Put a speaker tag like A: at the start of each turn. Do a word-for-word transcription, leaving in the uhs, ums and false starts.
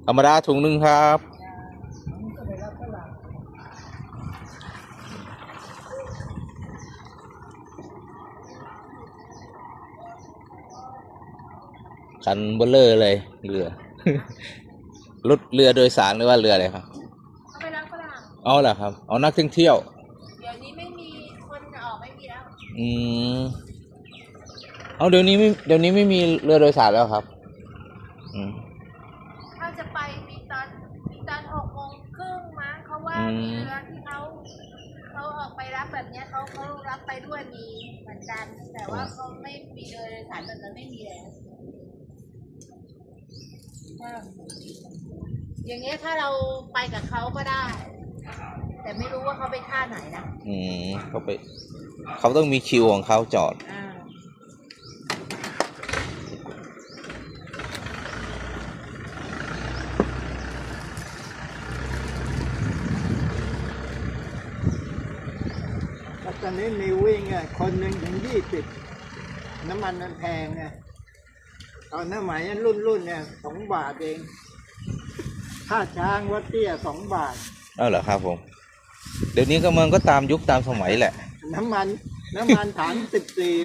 A: ธรรมดาถุงหนึ่งครับคันเบลเลอร์เลยเรือ รถเรือโดยสารหรือว่าเรืออะไรครับ
B: เขาไปรับฝรั่ง
A: เอาเหรอครับเอานักท่องเที่ยว
B: เดี๋ยวนี้ไม่มีคนออกไม่มีแล้ว
A: อืมเอาเดี๋ยวนี้ไม่เดี๋ยวนี้ไม่มีเรือโดยสารแล้วครับอืม
B: ถ้าจะไปมีตอนมีตอนหกโมงครึ่งมั้งเขาว่ามีเรือที่เขาเขาออกไปรับแบบเนี้ยเขาเขารับไปด้วยมีเหมือนกันแต่ว่าเขาไม่มีเรือโดยสารแบบนั้นไม่มีแล้วอย่างเงี้ยถ้าเราไปกับเขาก็ได้แต่ไม่รู้ว่าเขาไปท่าไหนนะ
A: อืมเขาไปเขาต้องมีคิวของเขาจอด
B: อ่า
C: ตอนนี้มีวิ่งอ่ะคนหนึ่งถึงยี่สิบน้ำมันมันแพงไงตอนนั้นหมายรุ่นรุ่นเนี่ยสองบาทเองค่าช้างวัดเตี้ยสองบาท
A: เอาเหรอครับผมเดี๋ยวนี้ก็มันก็ตามยุคตามสมัยแหละ
C: น้ำมันน้ำมันถังสิบสี่